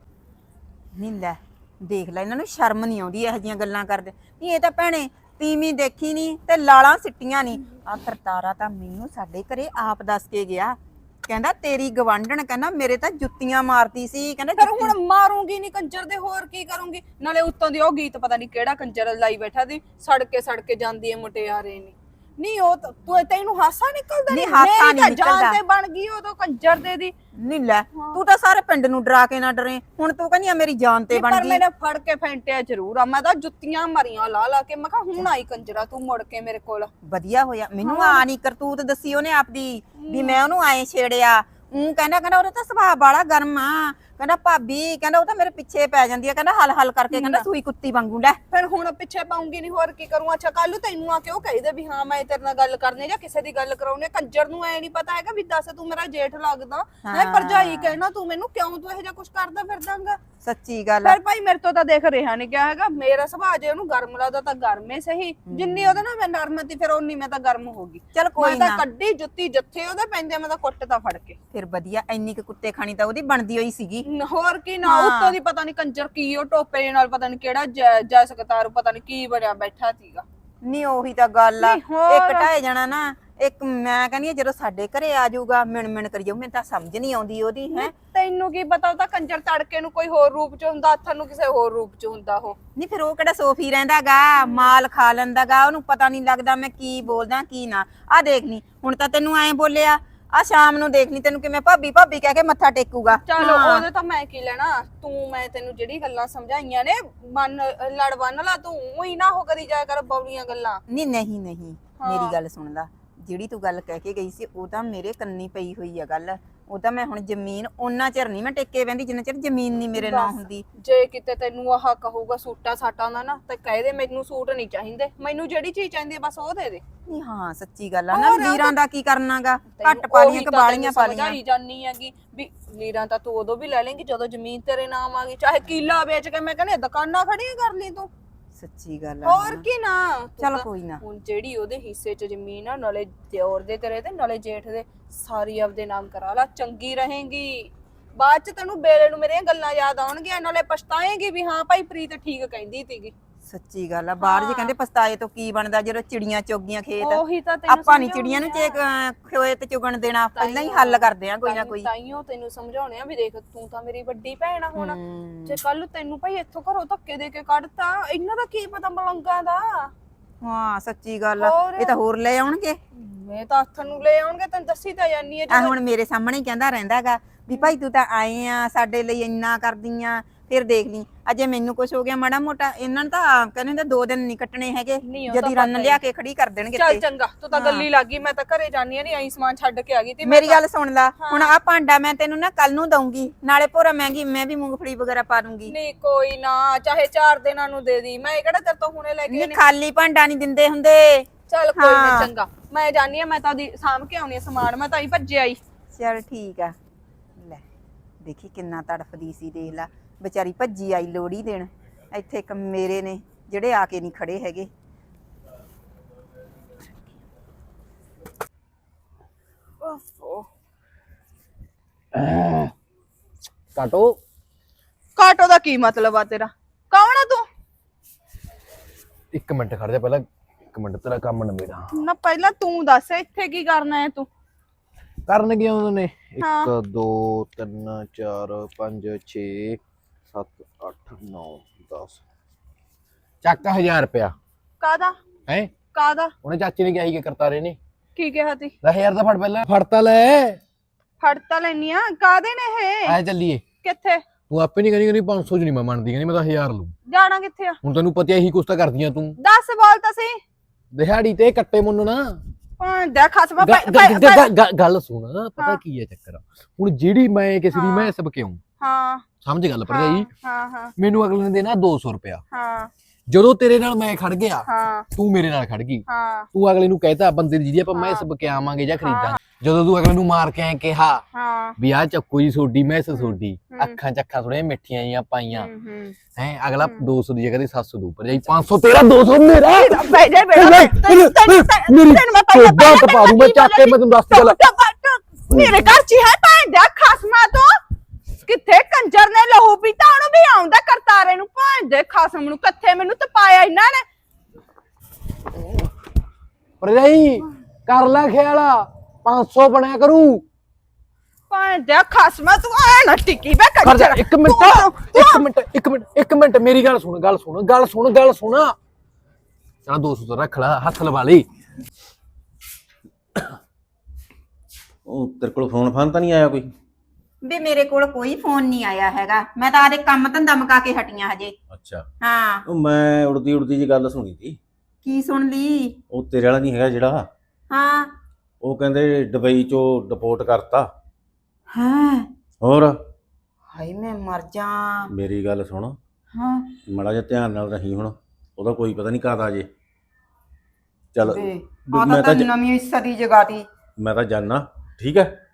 Speaker 2: ਨਹੀਂ ਲੈ ਦੇਖ ਲੈ, ਇਹਨਾਂ ਨੂੰ ਸ਼ਰਮ ਨਹੀਂ ਆਉਂਦੀ ਇਹੋ ਜਿਹੀਆਂ ਗੱਲਾਂ ਕਰਦੇ। ਨਹੀਂ ਇਹ ਤਾਂ ਭੈਣੇ ਤੀਵੀਂ ਦੇਖੀ ਨਹੀਂ ਤੇ ਲਾਲਾਂ ਸਿੱਟੀਆਂ ਨਹੀਂ। ਆ ਕਰਤਾਰਾ ਤਾਂ ਮੈਨੂੰ ਸਾਡੇ ਘਰੇ ਆਪ ਦੱਸ ਕੇ ਗਿਆ, ਕਹਿੰਦਾ ਤੇਰੀ ਗਵਾਂਢਣ ਕਹਿੰਦਾ ਮੇਰੇ ਤਾਂ ਜੁੱਤੀਆਂ ਮਾਰਦੀ ਸੀ। ਕਹਿੰਦਾ
Speaker 4: ਫਿਰ ਹੁਣ ਮਾਰੂੰਗੀ ਨਹੀਂ ਕੰਜਰ ਦੇ, ਹੋਰ ਕੀ ਕਰੂੰਗੀ? ਨਾਲੇ ਉੱਤੋਂ ਦੀ ਉਹ ਗੀਤ ਪਤਾ ਨਹੀਂ ਕਿਹੜਾ ਕੰਜਰ ਲਾਈ ਬੈਠਾ ਸੀ, ਸੜਕੇ ਸੜਕੇ ਜਾਂਦੀ ਏ ਮੁਟਿਆਰੇ ਨੇ। ਨਹੀਂ ਉਹ ਤਾਂ- ਤੂੰ ਤੈਨੂੰ ਹਾਸਾ ਨਿਕਲਦਾ
Speaker 2: ਨਹੀਂ,
Speaker 4: ਨਹੀਂ?
Speaker 2: ਹਾਸਾ
Speaker 4: ਮੇਰੀ
Speaker 2: ਨਹੀਂ
Speaker 4: ਤਾਂ ਜਾਨ
Speaker 2: ਨਿਕਲਦਾ।
Speaker 4: ਤੇ ਬਣ ਗਈ ਉਦੋਂ ਕੰਜਰ ਦੇ ਦੀ।
Speaker 2: ਨਹੀਂ ਲੈ ਤੂੰ ਤਾਂ ਸਾਰੇ ਪਿੰਡ ਨੂੰ ਡਰਾ ਕੇ ਨਾ ਡਰੇ, ਹੁਣ ਤੂੰ ਕਹਿੰਦੀ ਆ ਮੇਰੀ ਜਾਨ ਤੇ
Speaker 4: ਨਹੀਂ,
Speaker 2: ਬਣ
Speaker 4: ਪਰ
Speaker 2: ਗਈ।
Speaker 4: ਮੈਨੇ ਫੜ ਕੇ ਫੈਂਟਿਆ ਜ਼ਰੂਰ ਆ, ਮੈਂ ਤਾਂ ਜੁੱਤੀਆਂ ਮਾਰੀਆਂ ਲਾ ਲਾ ਕੇ। ਮੈਂ ਕਿਹਾ ਹੁਣ ਆਈ ਕੰਜਰਾ ਤੂੰ ਮੁੜ ਕੇ ਮੇਰੇ ਕੋਲ।
Speaker 2: ਵਧੀਆ ਹੋਇਆ, ਮੈਨੂੰ ਆ ਨਹੀਂ ਕਰਤੂਤ ਦੱਸੀ ਉਹਨੇ ਆਪਦੀ ਵੀ ਮੈਂ ਉਹਨੂੰ ਆਏ ਛੇੜਿਆ। ਉਹ ਕਹਿੰਦਾ ਕਹਿੰਦਾ ਉਹਦਾ ਤਾਂ ਸੁਭਾਅ ਬਾਲਾ ਗਰਮ ਆ, ਕਹਿੰਦਾ ਭਾਬੀ ਕਹਿੰਦਾ ਉਹ ਤਾਂ ਮੇਰੇ ਪਿੱਛੇ ਪੈ ਜਾਂਦੀ ਆ, ਕਹਿੰਦਾ ਹਲ ਹਲ ਕਰਕੇ ਕਹਿੰਦਾ ਸੂਈ ਕੁੱਤੀ ਵਾਂਗੂ। ਲੈ
Speaker 4: ਫਿਰ ਹੁਣ ਪਿੱਛੇ ਪਾਉਂਗੀ ਨਹੀਂ, ਹੋਰ ਕੀ ਕਰੂੰ? ਅੱਛਾ ਕੱਲ ਨੂੰ ਤੈਨੂੰ ਆ ਕੇ ਉਹ ਕਹੀ ਦੇ ਵੀ ਹਾਂ ਮੈਂ ਤੇਰੇ ਨਾਲ ਗੱਲ ਕਰਨੀ ਜਾਂ ਕਿਸੇ ਦੀ ਗੱਲ ਕਰਾਉਣੀ। ਕੰਜਰ ਨੂੰ ਐ ਨਹੀਂ ਪਤਾ ਹੈਗਾ ਵੀ ਦੱਸ ਤੂੰ ਮੇਰਾ ਜੇਠ ਲੱਗਦਾ ਹੈ, ਭਰਜਾਈ ਕਹਿਣਾ ਤੂੰ ਮੈਨੂੰ, ਕਿਉਂ ਤੂੰ ਇਹੋ ਜਿਹਾ ਕੁਝ ਕਰਦਾ ਫਿਰਦਾਂਗਾ?
Speaker 2: ਸੱਚੀ ਗੱਲ ਆ।
Speaker 4: ਫਿਰ ਭਾਈ ਮੇਰੇ ਤੋਂ ਤਾਂ ਦੇਖ ਰਿਹਾ ਨਹੀਂ ਗਿਆ ਹੈਗਾ। ਮੇਰਾ ਸੁਭਾਅ ਜੇ ਉਹਨੂੰ ਗਰਮ ਲੱਗਦਾ ਤਾਂ ਗਰਮੇ ਸਹੀ, ਜਿੰਨੀ ਉਹਦੇ ਨਾਲ ਮੈਂ ਨਰਮ ਸੀ ਫਿਰ ਉਨੀ ਮੈਂ ਤਾਂ ਗਰਮ ਹੋ ਗਈ।
Speaker 2: ਚੱਲ ਕੋਈ
Speaker 4: ਮੈਂ ਤਾਂ
Speaker 2: ਨਾ,
Speaker 4: ਕੱਢੀ ਜੁੱਤੀ ਜੱਥੇ ਉਹਦੇ ਪੈਂਦੇ, ਮੈਂ ਤਾਂ ਕੁੱਟ ਤਾਂ ਫੜ ਕੇ।
Speaker 2: ਫਿਰ ਵਧੀਆ, ਇੰਨੀ ਕੁ ਕੁੱਤੇ ਖਾਣੀ ਤਾਂ ਉਹਦੀ ਬਣਦੀ ਹੋਈ ਸੀਗੀ।
Speaker 4: ਨ- ਹੋਰ ਕੀ ਨਾ, ਉੱਤੋਂ ਦੀ ਪਤਾ ਨਹੀਂ ਕੰਜਰ ਕੀ ਉਹ ਟੋਪੇ ਨਾਲ ਪਤਾ ਨਹੀਂ ਕਿਹੜਾ ਜੈ ਜੈ ਸਕਤਾਰ ਪਤਾ ਨਹੀਂ ਕੀ ਬਣਿਆ ਬੈਠਾ ਸੀਗਾ।
Speaker 2: ਨਹੀਂ ਉਹੀ ਤਾਂ ਗੱਲ ਆ,
Speaker 4: ਨਹੀਂ, ਹੋਰ।
Speaker 2: ਇੱਕ ਢਾਏ ਜਾਣਾ ਨਾ, ਇੱਕ ਮੈਂ ਕਹਿੰਦੀ ਆ ਜਦੋਂ ਸਾਡੇ ਘਰੇ ਆ ਜਾਊਗਾ ਮਿਣ ਮਿਣ ਕਰੀ ਜਾਊ। ਮੈਨੂੰ ਤਾਂ ਸਮਝ ਨਹੀਂ ਆਉਂਦੀ ਉਹਦੀ। ਹੈ
Speaker 4: ਤੈਨੂੰ ਕੀ ਪਤਾ ਉਹ ਤਾਂ ਕੰਜਰ ਤੜਕੇ ਨੂੰ ਕੋਈ ਹੋਰ ਰੂਪ ਚ ਹੁੰਦਾ, ਹੱਥਾਂ ਨੂੰ ਕਿਸੇ ਹੋਰ ਰੂਪ ਚ ਹੁੰਦਾ ਉਹ।
Speaker 2: ਨਹੀਂ ਫਿਰ ਉਹ ਕਿਹੜਾ ਸੋਫੀ ਰਹਿੰਦਾਗਾ, ਮਾਲ ਖਾ ਲੈਂਦਾਗਾ, ਉਹਨੂੰ ਪਤਾ ਨਹੀਂ ਲੱਗਦਾ ਮੈਂ ਕੀ ਬੋਲਦਾ ਕੀ ਨਾ। ਆ ਦੇਖ ਨੀ ਹੁਣ ਤਾਂ ਤੈਨੂੰ ਐਂ ਬੋਲਿਆ, ਆ ਸ਼ਾਮ ਨੂੰ ਦੇਖ ਨੀ ਤੈਨੂੰ ਕਿਵੇਂ ਭਾਬੀ ਭਾਬੀ ਕਹਿ ਕੇ ਮੱਥਾ ਟੇਕੂਗਾ।
Speaker 4: ਚਲੋ ਉਹਦੇ ਤਾਂ ਮੈਂ ਕੀ ਲੈਣਾ, ਤੂੰ ਮੈਂ ਤੈਨੂੰ ਜਿਹੜੀ ਗੱਲਾਂ ਸਮਝਾਈਆਂ ਨੇ ਮਨ ਲੜ ਬੰਨ ਲਾ, ਤੂੰ ਉਹੀ ਨਾ ਹੋ ਕਰੀ ਜਾਇਆ ਕਰ ਬੌਲੀਆਂ ਗੱਲਾਂ।
Speaker 2: ਨਹੀਂ ਨਹੀਂ ਨਹੀਂ ਮੇਰੀ ਗੱਲ ਸੁਣ ਲਾ, ਜਿਹੜੀ ਤੂੰ ਗੱਲ ਕਹਿ ਕੇ ਗਈ ਸੀ ਉਹ ਤਾਂ ਮੇਰੇ ਕੰਨੀ ਪਈ ਹੋਈ ਆ ਗੱਲ। ਉਹ ਤਾਂ ਮੈਂ ਹੁਣ ਜ਼ਮੀਨ ਉਹਨਾਂ ਚਿਰ ਨਹੀਂ ਮੈਂ ਟੇਕੇ ਬਹਿੰਦੀ ਜਿੰਨਾ ਚਿਰ ਜ਼ਮੀਨ ਨਹੀਂ ਮੇਰੇ ਨਾਂ
Speaker 4: ਬਸ।
Speaker 2: ਹੁੰਦੀ।
Speaker 4: ਜੇ ਕਿਤੇ ਤੈਨੂੰ ਆਹ ਕਹੂਗਾ ਸੂਟਾਂ ਸਾਟਾਂ ਦਾ ਨਾ ਤੇ ਕਹਿ ਦੇ ਮੈਨੂੰ ਸੂਟ ਨਹੀਂ ਚਾਹੀਦੇ, ਮੈਨੂੰ ਜਿਹੜੀ ਚੀਜ਼ ਚਾਹੀਦੀ ਹੈ ਬਸ ਉਹ ਦੇ ਦੇ।
Speaker 2: ਨਹੀਂ ਹਾਂ ਸੱਚੀ ਗੱਲ ਆ ਨਾ,
Speaker 4: ਹੋਰ ਆ
Speaker 2: ਵੀਰਾਂ ਦਾ ਕੀ ਕਰਨਾਗਾ, ਘੱਟ
Speaker 4: ਤੈਨੂੰ
Speaker 2: ਪਾ ਲੀਆਂ
Speaker 4: ਉਹੀ
Speaker 2: ਕਿ
Speaker 4: ਤਾਂ
Speaker 2: ਬਾਲੀਆਂ ਪਾ
Speaker 4: ਤੈਨੂੰ
Speaker 2: ਲੀਆਂ।
Speaker 4: ਸਮਝਾਈ ਜਾਨੀ ਹੈਗੀ ਵੀ ਲੀਰਾਂ ਤਾਂ ਤੂੰ ਉਦੋਂ ਵੀ ਲੈ ਲੇਂਗੀ ਜਦੋਂ ਜ਼ਮੀਨ ਤੇਰੇ ਨਾਮ ਆ ਗਈ, ਚਾਹੇ ਕੀਲਾ ਵੇਚ ਕੇ ਮੈਂ ਕਹਿੰਦੀ ਦੁਕਾਨਾਂ ਖੜੀਆਂ ਕਰ ਲਈ ਤੂੰ।
Speaker 2: ਸੱਚੀ ਗੱਲ ਆ।
Speaker 4: ਹੋਰ ਕੀ ਨਾ ਤੂੰ
Speaker 2: ਚੱਲ
Speaker 4: ਤਾਂ-
Speaker 2: ਕੋਈ ਨਾ।
Speaker 4: ਹੁਣ ਜਿਹੜੀ ਉਹਦੇ ਹਿੱਸੇ 'ਚ ਜ਼ਮੀਨ ਆ ਨਾਲੇ ਦਿਓਰ ਦੇ ਤੇਰੇ ਤੇ ਨਾਲੇ ਜੇਠ ਦੇ ਸਾਰੀ ਆਪਦੇ ਨਾਮ ਕਰਾ ਲਾ, ਚੰਗੀ ਰਹੇਗੀ। ਬਾਅਦ 'ਚ ਤੈਨੂੰ ਬੇਲੇ ਨੂੰ ਮੇਰੀਆਂ ਗੱਲਾਂ ਯਾਦ ਆਉਣਗੀਆਂ, ਨਾਲੇ ਪਛਤਾਏਂਗੀ ਵੀ ਹਾਂ ਭਾਈ ਪ੍ਰੀਤ ਠੀਕ ਕਹਿੰਦੀ ਸੀਗੀ।
Speaker 2: ਸੱਚੀ ਗੱਲ ਆ। ਬਾਹਰ ਜੇ ਕਹਿੰਦੇ ਪਛਤਾਏ ਤੋਂ ਕੀ ਬਣਦਾ ਜਦੋਂ ਚਿੜੀਆਂ ਚੋਗੀਆਂ ਖੇਤ।
Speaker 4: ਉਹੀ ਤਾਂ ਤੈਨੂੰ
Speaker 2: ਆਪਾਂ ਨਹੀਂ ਚਿੜੀਆਂ ਨੂੰ ਚੇਕ ਖੇਤ ਚੁਗਣ ਦੇਣਾ, ਪਹਿਲਾਂ ਹੀ ਹੱਲ ਕਰਦੇ ਆ ਕੋਈ ਨਾ ਕੋਈ।
Speaker 4: ਤਾਈਓ ਤੈਨੂੰ ਸਮਝਾਉਣੇ ਆ ਵੀ ਦੇਖ ਤੂੰ ਤਾਂ ਮੇਰੀ ਵੱਡੀ ਭੈਣ ਆ ਹੁਣ,
Speaker 2: ਹਮ,
Speaker 4: ਜੇ ਕੱਲ ਤੈਨੂੰ ਭਾਈ ਇੱਥੋਂ ਘਰੋਂ ਧੱਕੇ ਦੇ ਕੇ ਕੱਢਤਾ, ਇਹਨਾਂ ਦਾ ਕੀ ਪਤਾ ਮਲੰਗਾਂ ਦਾ।
Speaker 2: ਹਾਂ ਸੱਚੀ ਗੱਲ ਆ।
Speaker 4: ਹੋਰ?
Speaker 2: ਇਹ ਤਾਂ ਹੋਰ ਲੈ ਆਉਣਗੇ।
Speaker 4: ਮੈਂ ਤਾਂ ਹੱਥ ਨੂੰ ਲੈ ਆਉਣਗੇ, ਤੈਨੂੰ ਦੱਸੀ ਤਾਂ ਜਾਨੀ ਹੈ
Speaker 2: ਆ ਹੁਣ ਮੇਰੇ ਸਾਹਮਣੇ ਹੀ ਕਹਿੰਦਾ ਰਹਿੰਦਾਗਾ ਵੀ ਭਾਈ ਤੂੰ ਤਾਂ ਆਏ ਆ ਸਾਡੇ ਲਈ ਇੰਨਾ ਕਰਦੀ ਆ, ਫਿਰ ਦੇਖ ਲਈ ਅਜੇ ਮੈਨੂੰ ਕੁਝ ਹੋ ਗਿਆ ਮਾੜਾ ਮੋਟਾ, ਇਹਨਾਂ ਨੂੰ ਤਾਂ ਕਹਿੰਦੇ ਦੋ ਦਿਨ ਨਹੀਂ ਕੱਟਣੇ ਹੈਗੇ,
Speaker 4: ਨਹੀਂ, ਉਹ ਤਾਂ
Speaker 2: ਜਦੀ ਰੰਨ
Speaker 4: ਪਤਾ ਹੀ।
Speaker 2: ਲਿਆ ਕੇ ਖੜੀ ਕਰ ਦੇਣਗੇ
Speaker 4: ਚੱਲ
Speaker 2: ਤੇ।
Speaker 4: ਚੰਗਾ, ਤੂੰ ਤਾਂ ਗੱਲੀ ਲੱਗੀ, ਮੈਂ ਤਾਂ ਘਰੇ ਜਾਨੀ ਆ, ਨਹੀਂ ਆਈ ਸਮਾਨ ਛੱਡ ਕੇ ਆ ਗਈ ਤੇ
Speaker 2: ਮੇਰੀ ਗੱਲ ਸੁਣ ਲਾ, ਹੁਣ ਆ ਭਾਂਡਾ ਮੈਂ ਤੈਨੂੰ ਨਾ ਕੱਲ ਨੂੰ ਦਊਂਗੀ, ਨਾਲੇ ਭੋਰਾ ਮਹਿੰਗੀ ਮੈਂ ਵੀ ਮੂੰਗਫਲੀ ਵਗੈਰਾ ਪਾ ਦੂੰਗੀ।
Speaker 4: ਨਹੀਂ ਕੋਈ ਨਾ, ਚਾਹੇ ਚਾਰ ਦਿਨਾਂ ਨੂੰ ਦੇ ਦੀ, ਮੈਂ ਕਿਹੜਾ ਤੇਰੇ ਤੋਂ ਹੁਣੇ ਲੈ ਕੇ
Speaker 2: ਨਹੀਂ ਖਾਲੀ ਭਾਂਡਾ ਨਹੀਂ ਦਿੰਦੇ ਹੁੰਦੇ।
Speaker 4: ਚੱਲ ਕੋਈ ਨਾ
Speaker 2: ਹਾਂ।
Speaker 4: ਚੰਗਾ, ਮੈਂ ਜਾਨੀ ਆ, ਮੈਂ ਤਾਂ ਉਹਦੀ ਸਾਂਭ ਕੇ ਆਉਣੀ ਆ ਸਮਾਨ, ਮੈਂ ਤਾਂ ਹੀ ਭੱਜੇ ਆਈ।
Speaker 2: ਚਲ ਠੀਕ ਆ। ਲੈ ਦੇਖੀ ਕਿੰਨਾ ਤੜਫਦੀ ਸੀ, ਦੇਖ ਲਾ ਵਿਚਾਰੀ ਭੱਜੀ ਆਈ ਲੋੜੀ ਦੇਣ। ਇੱਥੇ ਇੱਕ ਮੇਰੇ ਨੇ ਜਿਹੜੇ ਆ ਕੇ ਨਹੀਂ ਖੜੇ ਹੈਗੇ।
Speaker 1: ਕਾਟੋ
Speaker 4: ਕਾਟੋ ਦਾ ਕੀ ਮਤਲਬ ਆ ਤੇਰਾ? ਕੌਣ ਆ ਤੂੰ?
Speaker 5: ਇੱਕ ਮਿੰਟ ਖੜ ਜਾ, ਪਹਿਲਾਂ ਇੱਕ ਮਿੰਟ ਤੇਰਾ ਕੰਮ ਨਵੇੜਾ।
Speaker 4: ਨਾ ਪਹਿਲਾਂ ਤੂੰ ਦੱਸ ਇੱਥੇ ਕੀ ਕਰਨਾ ਹੈ ਤੂੰ?
Speaker 5: ਕਰਨ ਗਿਆ ਉਹਨਾਂ ਨੇ
Speaker 4: ਹਾਂ।
Speaker 5: ਇੱਕ ਦੋ ਤਿੰਨ ਚਾਰ ਪੰਜ ਛੇ ਸੱਤ ਅੱਠ ਨੌ ਦਸ ਚੱਕ ਹਜ਼ਾਰ ਰੁਪਇਆ
Speaker 4: ਕਾਦਾ
Speaker 5: ਹੈ।
Speaker 4: ਕਾਦਾ
Speaker 5: ਉਹਨੇ ਚਾਚੇ ਨੇ ਕਿਹਾ ਸੀ ਕਿ ਕਰਤਾਰੇ ਨੇ
Speaker 4: ਕੀ ਕਿਹਾ ਤੀ?
Speaker 5: ਦਸ ਹਜ਼ਾਰ ਦਾ ਫੜ, ਪਹਿਲਾਂ ਫੜ ਤਾਂ ਲੈ।
Speaker 4: ਫੜ ਤਾਂ ਲੈਨੀ ਆ, ਕਾਦੇ ਨੇ ਇਹ?
Speaker 5: ਐ ਚੱਲੀਏ।
Speaker 4: ਕਿੱਥੇ
Speaker 5: ਤੂੰ ਆਪੇ ਨਹੀਂ ਕਹਿੰਦੀ ਕਹਿੰਦੀ ਪੰਜ ਸੌ ਚ ਨਹੀਂ ਮੈਂ ਮੰਨਦੀ, ਕਹਿੰਦੀ ਮੈਂ ਤਾਂ ਹਜ਼ਾਰ ਲਊ।
Speaker 4: ਜਾਣਾ ਕਿੱਥੇ ਆ?
Speaker 5: ਹੁਣ ਤੈਨੂੰ ਪਤਾ ਇਹੀ ਕੁਛ ਤਾਂ ਕਰਦੀਆਂ ਤੂੰ,
Speaker 4: ਦੱਸ ਬੋਲ ਤਾਂ ਸਹੀ।
Speaker 5: ਦਿਹਾੜੀ ਤੇ ਕੱਟੇ ਮੁੰਨਣਾ।
Speaker 4: ਹਾਂ ਦੇਖ ਖਸਮਾ
Speaker 5: ਗ- ਗ- ਗ- ਗ- ਗੱਲ ਸੁਣ, ਪਤਾ
Speaker 4: ਹਾਂ।
Speaker 5: ਕੀ ਹੈ ਚੱਕਰ, ਹੁਣ ਜਿਹੜੀ ਮੈਂ ਕਿਸੇ ਦੀ
Speaker 4: ਹਾਂ।
Speaker 5: ਮੈਂ ਸਭ ਕਿਉਂ
Speaker 4: ਹਾਂ
Speaker 5: ਸਮਝ ਗੱਲ ਭਰਜਾਈ,
Speaker 4: ਹਾਂ ਹਾਂ
Speaker 5: ਮੈਨੂੰ ਅਗਲੇ ਨੇ ਦੇਣਾ ਦੋ ਸੌ ਰੁਪਇਆ।
Speaker 4: ਹਾਂ
Speaker 5: ਜਦੋਂ ਤੇਰੇ ਨਾਲ ਮੈਂ ਖੜ ਗਿਆ,
Speaker 4: ਹਾਂ
Speaker 5: ਤੂੰ ਮੇਰੇ ਨਾਲ ਖੜ ਗਈ,
Speaker 4: ਹਾਂ
Speaker 5: ਤੂੰ ਅਗਲੇ ਨੂੰ ਕਹਿਤਾ ਬੰਦੇ ਦੀ ਜਿਹਦੀ ਆਪਾਂ
Speaker 4: ਹਾਂ।
Speaker 5: ਮੈਸ ਬਕੇ ਆਵਾਂਗੇ ਜਾਂ ਖਰੀਦਾਂਗੇ, ਜਦੋਂ ਤੂੰ ਅਗਲੇ ਨੂੰ ਮਾਰ ਕੇ ਐ ਕਿਹਾ
Speaker 4: ਹਾਂ
Speaker 5: ਵੀ ਆਹ ਚੱਕੋ ਜੀ ਸੋਡੀ ਮੈਸ ਸੋਡੀ,
Speaker 4: ਹੂੰ।
Speaker 5: ਅੱਖਾਂ ਚੱਖਾਂ ਥੋੜੀਆਂ ਮਿੱਠੀਆਂ ਜੀਆਂ ਪਾਈਆਂ
Speaker 4: ਹੂੰ ਹੂੰ
Speaker 5: ਹੈ, ਅਗਲਾ ਦੋ ਸੌ ਦੀ ਜਗ੍ਹਾ ਤੇ ਸੱਤ ਸੌ ਦੂ, ਭਰਜਾਈ ਪੰਜ ਸੌ ਤੇਰਾ ਦੋ ਸੌ ਮੇਰਾ।
Speaker 4: ਬੈ ਜਾ ਬੇਟਾ
Speaker 5: ਮੇਰੀ
Speaker 4: ਤੈਨੂੰ ਮੈਂ ਪਹਿਲਾਂ
Speaker 5: ਚੋਦਾ ਟਪਾ ਦੂੰ ਮੈਂ ਚੱਕ ਕੇ, ਮੈਂ ਤੈਨੂੰ ਦੱਸ ਗੱਲ।
Speaker 4: ਮੇਰੇ ਘਰ ਚ ਹੈ ਭੈਣ ਦਾ ਖਸਮਾ ਤੋਂ ਕਿੱਥੇ ਕੰਜਰ ਨੇ ਲਹੂ ਪੀਤਾ, ਉਹਨੂੰ ਵੀ ਆਉਂਦਾ ਕਰਤਾਰੇ ਨੂੰ, ਭੈਣ ਦੇ ਖਸਮ ਨੂੰ ਕਿੱਥੇ ਮੈਨੂੰ ਤਪਾਇਆ ਇਹਨਾਂ ਨੇ।
Speaker 5: ਭਰਜਾਈ ਕਰ ਲੈ ਖਿਆਲ, ਪੰਜ ਸੌ ਬਣਿਆ ਕਰੂ।
Speaker 4: ਭੈਣ ਦੇ ਖਸਮਾ ਤੂੰ ਐ ਨਾ ਟਿੱਕੀ ਬੈ
Speaker 5: ਕਰ ਜਾ
Speaker 4: ਕੰਜਰ।
Speaker 5: ਇੱਕ ਮਿੰਟ ਇੱਕ ਮਿੰਟ ਇੱਕ ਮਿੰਟ ਇੱਕ ਮਿੰਟ ਮੇਰੀ ਗੱਲ ਸੁਣ ਗੱਲ ਸੁਣ ਗੱਲ ਸੁਣ ਗੱਲ ਸੁਣ ਚਲ ਦੋ ਸੌ ਰੱਖ ਲੈ, ਹੱਥ ਲਵਾ ਲਈ।
Speaker 3: ਉਹ ਤੇਰੇ ਕੋਲ ਫੋਨ ਫਾਨ ਤਾਂ ਨਹੀਂ ਆਇਆ ਕੋਈ?
Speaker 2: ਵੀ ਮੇਰੇ ਕੋਲ ਕੋਈ ਫੋਨ ਨਹੀਂ ਆਇਆ ਹੈਗਾ, ਮੈਂ ਤਾਂ ਆਦੇ ਕੰਮ ਧੰਦਾ ਮੁਕਾ ਕੇ ਹਟੀਆਂ ਹਜੇ।
Speaker 3: ਅੱਛਾ,
Speaker 2: ਹਾਂ
Speaker 3: ਉਹ ਮੈਂ ਉੜਦੀ ਉੜਦੀ ਜੀ ਗੱਲ ਸੁਣੀ ਸੀ।
Speaker 2: ਕੀ ਸੁਣ ਲਈ?
Speaker 3: ਉਹ ਤੇਰੇ ਵਾਲਾ ਨਹੀਂ ਹੈਗਾ ਜਿਹੜਾ,
Speaker 2: ਹਾਂ
Speaker 3: ਉਹ ਕਹਿੰਦੇ ਦੁਬਈ ਚੋਂ ਡਿਪੋਰਟ ਕਰਤਾ।
Speaker 2: ਹਾਂ
Speaker 3: ਹੋਰ
Speaker 2: ਹਾਏ ਮੈਂ ਮਰ ਜਾ।
Speaker 3: ਮੇਰੀ ਗੱਲ ਸੁਣ,
Speaker 2: ਹਾਂ
Speaker 3: ਮਾੜਾ ਜਿਹਾ ਧਿਆਨ ਨਾਲ ਰਹੀ, ਹੁਣ ਉਹਦਾ ਕੋਈ ਪਤਾ ਨਹੀਂ ਕਦ ਆ ਜੇ। ਚੱਲ
Speaker 2: ਵੇ
Speaker 3: ਮੈਂ
Speaker 2: ਆ
Speaker 3: ਤਾਂ
Speaker 2: ਤਾਂ
Speaker 3: ਜ-
Speaker 2: ਨਵੀਂ ਸਦੀ ਜਗਾਤੀ।
Speaker 3: ਮੈਂ ਤਾਂ ਜਾਣਾ, ਠੀਕ ਹੈ।